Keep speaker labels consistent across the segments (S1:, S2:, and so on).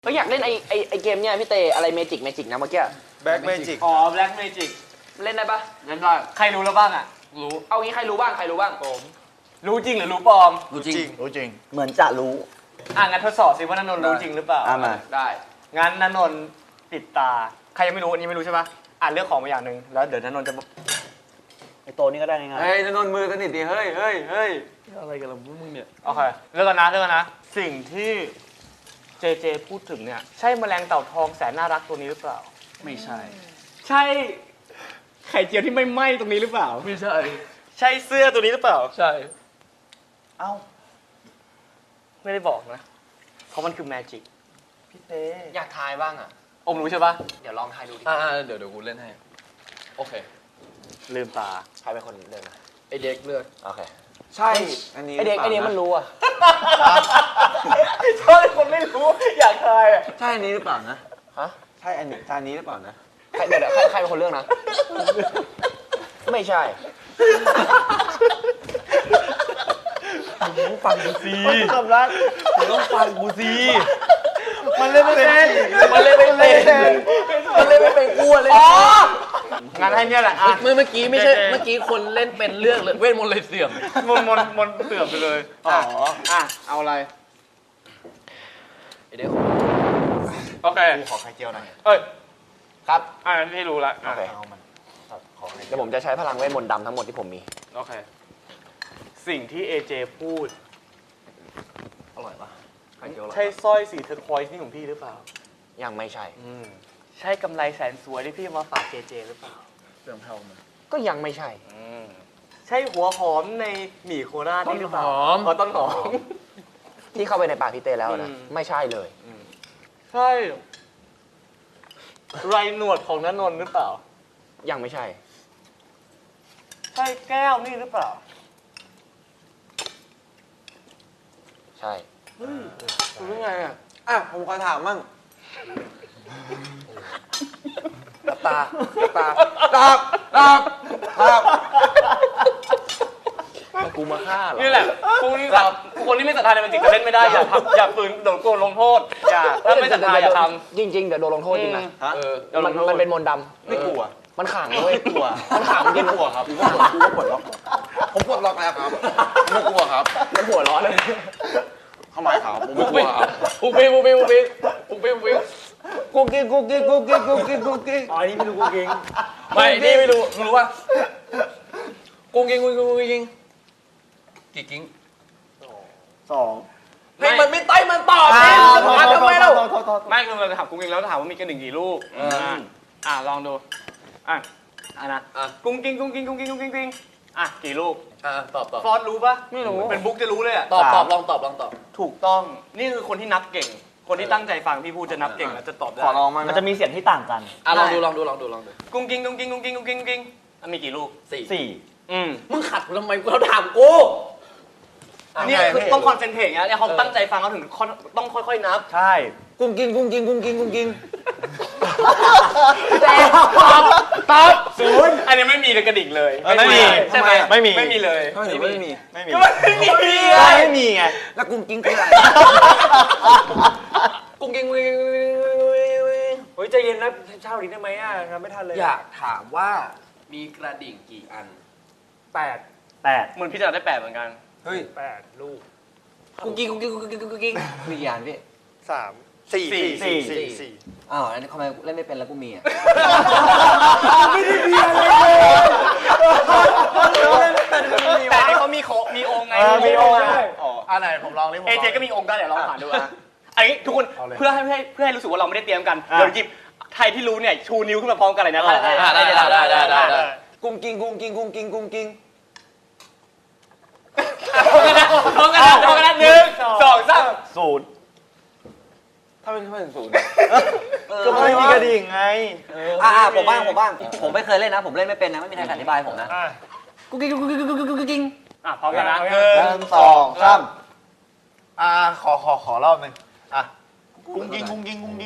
S1: ก็อยากเล่นไอเกมเนี่ยพี่เตอะไรเมจิกนะเมื่อกี้
S2: แบล็กเมจิก
S3: อ๋อแบล็กเมจิก
S1: เล่นได้ปะ
S3: เล่นได้ใครรู้แล้วบ้างอ่ะรู้
S1: เอางี้ใครรู้บ้าง
S3: ผมรู้จริงหรือรู้ปลอม
S2: รู้จริง
S4: เหมือนจะรู้
S3: งั้นทดสอบสิว่านนท์รู้จริงหรือเปล่า
S4: มา
S1: ได้
S3: งั้นนนท์ปิดตาใครยังไม่รู้อันนี้ไม่รู้ใช่ปะเลือกของมาอย่างหนึ่งแล้วเดี๋ยวนนท์จะ
S4: ไอโตนี่ก็ได้ง่าย
S3: เฮ้ยนนท์มือสนิทดิเฮ้ย
S1: อะไรกันล่ะมึงเนี่ย
S3: โอเคเลือกกันนะสิ่งที่เจพูดถึงเนี่ยใช่แมลงเต่าทองแสนน่ารักตัวนี้หรือเปล่า
S1: ไม่ใช่
S3: ใช่ไข่เจียวที่ไม่ไหม้ตรงนี้หรือเปล่า
S1: ไม่ใช่
S3: ใช่เสื้อตัวนี้หรือเปล่า
S1: ใช่
S3: เอ้าไม่ได้บอกนะเพราะมันคือแมจิก
S1: พี่เต้อยากทายบ้างอ่ะ
S3: อมรู้ใช่ปะ
S1: เดี๋ยวลองทายดูดิ
S2: เดี๋ยวกูเล่นให้โอเค
S3: ลืมตา
S1: ใครเป็นคนเลือกนะ
S2: ไอเด็กเลือก
S1: โอเค
S2: ใช่อันนี้
S1: ไอเด็กมันรู้อ่ะ
S3: ชอบคนไม่รู้อยากทายอ่ะ
S2: ใช่อันนี้หรือเปล่านะ
S1: ฮะ
S2: ใช่อันนี้หรือเปล่านะ
S1: เดี๋ยวใครเป็นคนเลือกนะไม่ใช่
S3: ต้องฟังกูสิ
S1: สำรัก
S3: ต้องฟังกูสิมันเล่นไม่เป็น
S1: กลัวเลย
S3: งานให้เนี่ยแหละ
S1: เมื่อกี้ไม่ใช่เมื่อกี้คนเล่นเป็นเรื่องเลยเวทมนต์เลยเสื่อม
S3: มนเสื่อมไปเลยเอาอะไร
S1: เดี๋ยว
S3: โอเค
S2: ขอไข่เจียวหน่อย
S1: ครับ
S3: ที่รู้ละ
S1: โอเคเดี๋ยวผมจะใช้พลังเวทมนต์ดำทั้งหมดที่ผมมี
S3: โอเคสิ่งที่เอเจพูด
S1: อร่อยปะ
S3: ใช่สร้อยสีเทอร์ควอยซ์นี่ของพี่หรือเปล่า
S1: ยังไม่ใช่
S3: ใช่กำไรแสนสวยที่พี่มาฝากเจหรือเปล่า
S2: เสื่อมเท่ามัน
S1: ก็ยังไม่ใช่
S3: ใช่หัวหอมในหมี่โคราชนี่หรือเปล่าต้นหอม
S1: ที่เข้าไปในปากพี่เต้แล้วนะไม่ใช่เลย
S3: ใช่ไรหนวดของณนนท์หรือเปล่า
S1: ยังไม่ใช่
S3: ใช่แก้วนี่หรือเปล่า
S1: ใช่
S3: รู้ไง
S2: ผมขอถามมั่ง
S1: ตากูมาฆ่าเหรอ
S3: นี่แหละพวกนี้แบบคนที่ไม่ศรัทธาในมันจริงจะเล่นไม่ได้อย่าฝืนโดนโกนลงโทษถ้าไม่ศรัทธาอย่าทำ
S1: จริงเดี๋ยวโดนลงโทษจริงนะมันเป็นมนต์ดำ
S2: ไม่กลัว
S1: มันขังด้วย
S2: กลัว
S1: มันขังจริง
S2: กลัวครับกูก็ปลดล็อกผมปลดล็อกแล้วครับไม่กลัวครับ
S1: มันหัวร้อนเลย
S2: เข้ามาครับผมไม่กลัวครับ
S1: ปุ๊บกูกิ้ง
S3: อ๋อนี่ไม่รู้กูกิ้ง
S1: ไม่นี่ไม่รู้ว่ากูกิ้งกี่กิ้ง
S4: 2
S1: ให้มันไม่ใต้มันตอบนี่จะถามทำไมเรา
S3: ไม่คือเราจะถามกูกิ้งแล้วถามว่ามีกระดิ่งกี่ลูกลองดูนะกุ้งกิ้งกี่ลูก
S1: ตอบ
S3: ฟอสรู้ปะ
S1: ไม่รู้
S3: เป็นบุ๊กจะรู้เลย
S1: ตอบลองตอบ
S3: ถูกต้องนี่คือคนที่นับเก่งคนที่ตั้งใจฟังพี่พูดจะนับเก่งแล้วจะตอบได้
S2: ขอลองมั้ง
S4: มันจะมีเสียงที่ต่างกัน
S1: ลองดู
S3: กุ้งกิ้งมีกี่ลูก
S1: 4มึงขัดทำไมเราถามกู
S3: นี่คือต้องคอนเซนเทรตนะเนี่ยเขาตั้งใจฟังเขาถึงต้องค่อยๆนับ
S4: ใช่
S1: กุ้งกิ้ง
S3: ตอบ0อันนี้ไม่มีเลยกระดิ่งเลย
S4: ไม่มี
S3: ใช่ไหม
S4: ไม่มี
S3: เลย
S2: ไม่มี
S4: ไม่มีไง
S1: แล้วกุ้งกิ้งคืออะไรกุ้งกิ้ง
S3: โอ้ยใจเย็นนะเช่าดีได้ไหมครับไม่ทันเลย
S1: อยากถามว่ามีกระดิ่งกี่อัน
S3: 8เหมือนพี่จะได้8เหมือนกัน
S2: เฮ้ย
S3: 8ลูก
S1: กุ้งกิ้งมีกี่อันพี่
S2: 4
S1: อ้าวอันนี้ทำไมเล่นไม่เป็นแล้วกูมี
S3: ไม่ได้มีอะไรเลยแต่นี่เขามีองค์ไง
S4: มีองค์
S1: ไหนผมลองดิ
S3: เอเจก็มีองค์ได้เดี๋ยวลองผ่านดูอันนี้ทุกคนเพื่อให้รู้สึกว่าเราไม่ได้เตรียมกันเดี๋ยวหยิบใครที่รู้เนี่ยชูนิ้วขึ้นมาพร้อมกันเลยนะ
S1: ได้กุ้งกิ้ง
S3: พร้อมกันนะ1 2 3
S4: 0
S2: ถ้าเป็น0
S4: ก็ไม่มีกระดิ่งไง
S1: ผมบ้างผมไม่เคยเล่นนะผมเล่นไม่เป็นนะไม่มีใครอธิบายผมนะกุ้งกิ้ง
S3: พร้อมกันนะ
S2: 1 2 3ขอรอบนึงกุ้งกิ้ง
S3: 1 2 3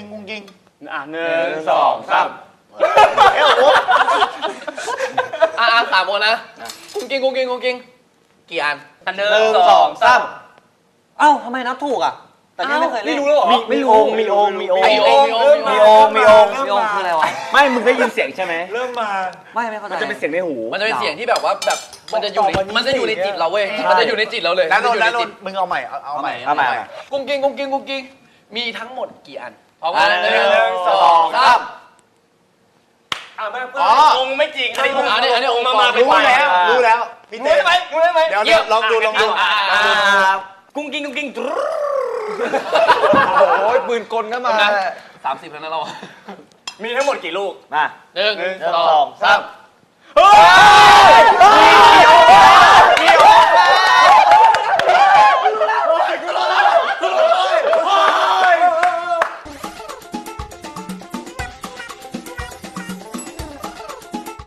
S1: 3คนนะกุ้งกิ้งกี่อัน
S3: 1 2 3
S1: เอ้าทำไมนับถูกอ่ะแต่พี่ไม่เคยเล่น
S3: นี่รู้แล้วเหรอ
S4: มีองค์มีองค์มีองค์
S3: มีองค์
S4: มีองค์มีองค์
S1: พี่องค์คืออะไรวะ
S4: ไม่มึงได้ยินเสียงใช่ไหม
S2: เริ่มมา
S1: ไม่เข้าใจ
S4: มันจะเป็นเสียงในหู
S5: มันจะเป็นเสียงที่แบบว่าแบบมันจะอยู่ในจิตเราเว้ย
S4: ใช่
S5: มันจะอยู่ในจิตเราเลย
S2: แล้วนน
S5: มั
S2: ท์
S5: จะอยู่
S2: แล้วน
S5: ในจิ
S2: น
S5: ต
S2: ท์มึงเอาใหม่เอาใหม่
S4: เอาใหม่
S5: กุ้งกิ้งกุ้งกิ้งกุ้งกิ้งมีทั้งหมดกี่อันพร้อม
S4: อ่ะ
S5: กัน
S4: หนึ่ง
S5: สองสาม
S3: ไม่องค์ไม่จริงอันนี้องค์มา
S2: รู้แล้วรู้แล้วพี่เต้
S3: รู้ได้ไหม
S2: เดี๋ยวลองดูลองดู
S3: กุ้งกิ้งกุ้งกิ้ง
S2: โอ้ยปืนกลก็มา
S5: 30แล้วนะเรา
S3: มีทั้งหมดกี่ลูก
S4: มา
S5: หนึ่ง
S4: หนึ่ง
S5: ส
S4: ส
S5: อ
S4: อง ง
S5: สาม
S3: เฮ้ย